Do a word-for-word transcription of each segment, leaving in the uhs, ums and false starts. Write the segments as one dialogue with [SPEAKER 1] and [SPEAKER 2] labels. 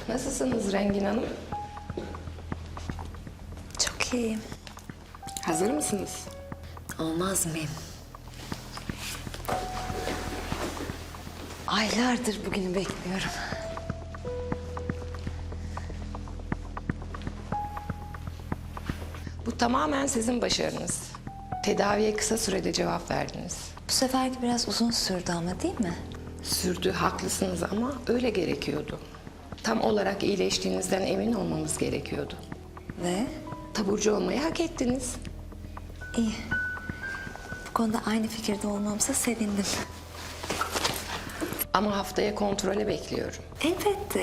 [SPEAKER 1] Nasılsınız Rengin Hanım?
[SPEAKER 2] Çok iyiyim.
[SPEAKER 1] Hazır mısınız?
[SPEAKER 2] Olmaz mıyım? Aylardır bugünü bekliyorum.
[SPEAKER 1] Bu tamamen sizin başarınız. Tedaviye kısa sürede cevap verdiniz.
[SPEAKER 2] Bu seferki biraz uzun sürdü ama değil mi?
[SPEAKER 1] Sürdü, haklısınız ama öyle gerekiyordu. Tam olarak iyileştiğinizden emin olmamız gerekiyordu.
[SPEAKER 2] Ve
[SPEAKER 1] Taburcu olmayı hak ettiniz.
[SPEAKER 2] iyi. Bu konuda aynı fikirde olmamıza sevindim.
[SPEAKER 1] Ama haftaya kontrole bekliyorum.
[SPEAKER 2] Elbette.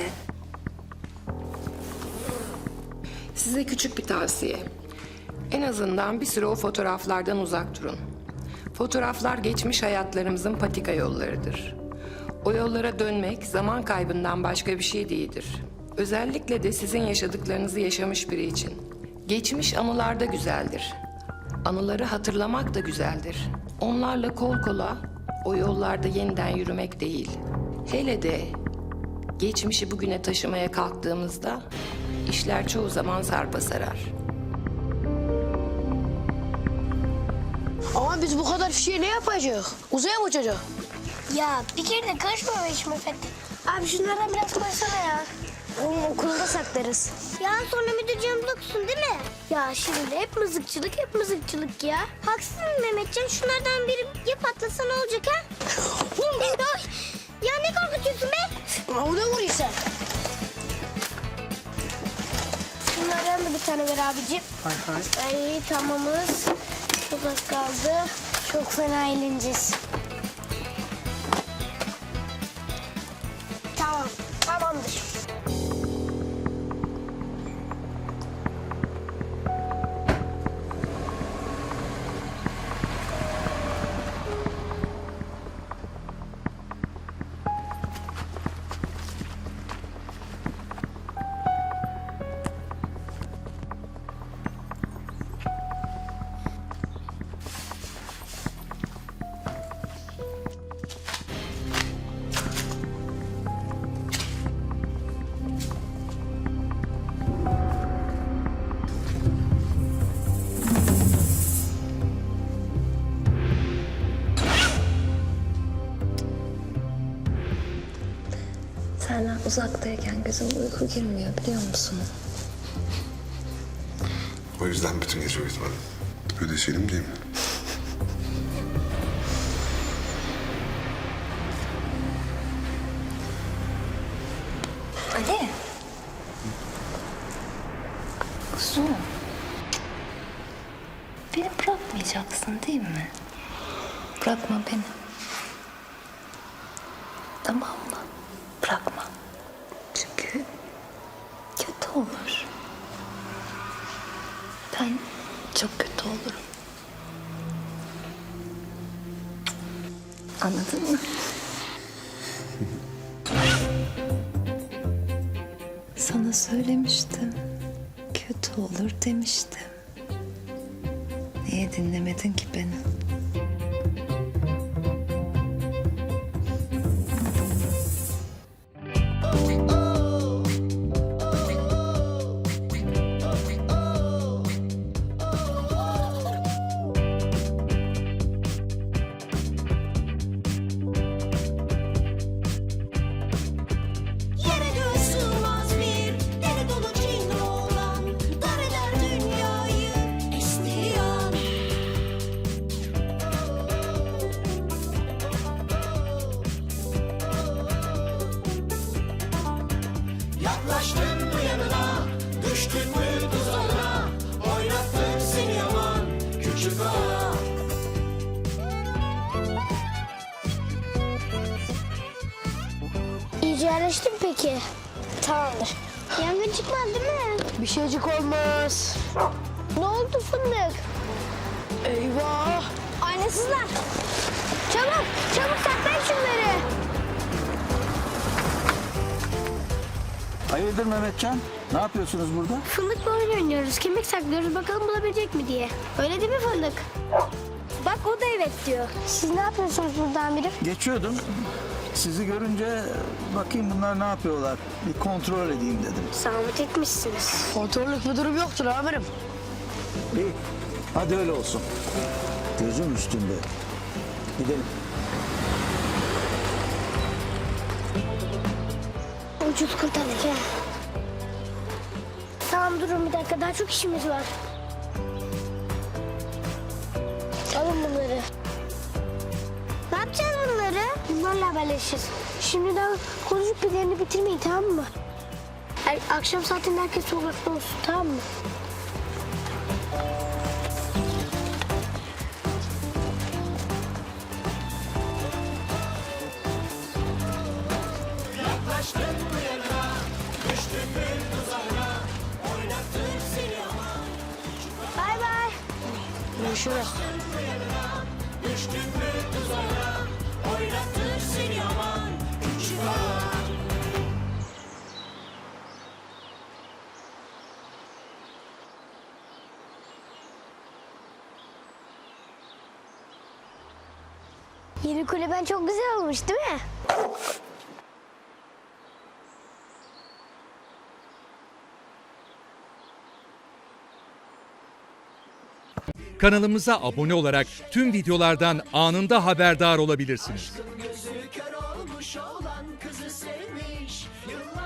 [SPEAKER 1] Size küçük bir tavsiye. En azından bir süre o fotoğraflardan uzak durun. Fotoğraflar geçmiş hayatlarımızın patika yollarıdır. O yollara dönmek zaman kaybından başka bir şey değildir. Özellikle de sizin yaşadıklarınızı yaşamış biri için. Geçmiş anılar da güzeldir. Anıları hatırlamak da güzeldir. Onlarla kol kola o yollarda yeniden yürümek değil. Hele de geçmişi bugüne taşımaya kalktığımızda işler çoğu zaman sarpa sarar.
[SPEAKER 3] Ama biz bu kadar fişeği ne yapacağız? Uzaya mı uçacak?
[SPEAKER 4] Ya bir kere de karışma be işime Fethi. Abi şunlardan biraz koysana ya. Oğlum okulda saklarız. Ya sonra müdür canımıza okusun değil mi? Ya şimdi hep mızıkçılık hep mızıkçılık ya. Haksız mı Mehmetcan? Şunlardan biri ya patlasa ne olacak ha? Ay, ya ne korkutuyorsun be?
[SPEAKER 3] Ama o ne vuruyor sen?
[SPEAKER 4] Şunlardan da bir tane ver abicim.
[SPEAKER 3] Hay hay.
[SPEAKER 4] Ay tamamız. Çok az kaldı. Çok fena eğleneceğiz. Tamam, tamamdır.
[SPEAKER 2] Senden uzaktayken gözüm uyku girmiyor biliyor musun?
[SPEAKER 5] O yüzden bütün gece uyutmadım. Ödeşelim değil mi?
[SPEAKER 2] Ali. Kuzum. Beni bırakmayacaksın değil mi? Bırakma beni. Tamam mı? Bırakma. Çünkü kötü olur. Ben çok kötü olurum. Anladın mı? Sana söylemiştim. Kötü olur demiştim. Niye dinlemedin ki beni?
[SPEAKER 6] Yere göğe sığmaz bir deli dolu cin oğlan, dar eder dünyayı estiği an. Yaklaştın mı yanına, düştün mü tuzağına, oynattın seni yaman küçük ağa.
[SPEAKER 4] İyice yerleştin mi peki? Tamamdır. Yangın çıkmaz değil mi?
[SPEAKER 3] Bir şeycik olmaz.
[SPEAKER 4] Ne oldu fındık?
[SPEAKER 3] Eyvah.
[SPEAKER 4] Aynasızlar. Çabuk, çabuk saklayın şunları.
[SPEAKER 7] Hayırdır Mehmetcan? Ne yapıyorsunuz burada?
[SPEAKER 4] Fındıkla oyun oynuyoruz. Kemik saklıyoruz. Bakalım bulabilecek mi diye. Öyle değil mi fındık? Bak o da evet diyor. Siz ne yapıyorsunuz buradan biri?
[SPEAKER 7] Geçiyordum. Sizi görünce bakayım bunlar ne yapıyorlar. Bir kontrol edeyim dedim.
[SPEAKER 4] Zahmet etmişsiniz.
[SPEAKER 3] Kontrollük bir durum yoktur amirim.
[SPEAKER 7] İyi. Hadi öyle olsun. Gözüm üstünde. Gidelim.
[SPEAKER 4] Ucuz kurtardık ha. Tamam durun bir dakika daha çok işimiz var. Alın bunları. Ne yapacağız bunları? Bunlarla haberleşeceğiz. Şimdiden konuşup planını bitirmeyin tamam mı? Er, akşam saatinde herkes sokakta olsun tamam mı? Bay bay.
[SPEAKER 3] Görüşürüz.
[SPEAKER 4] Yeni kulüben çok güzel olmuş değil mi?
[SPEAKER 8] Kanalımıza abone olarak tüm videolardan anında haberdar olabilirsiniz.
[SPEAKER 6] Gözü kör olmuş olan kızı sevmiş. Yıllar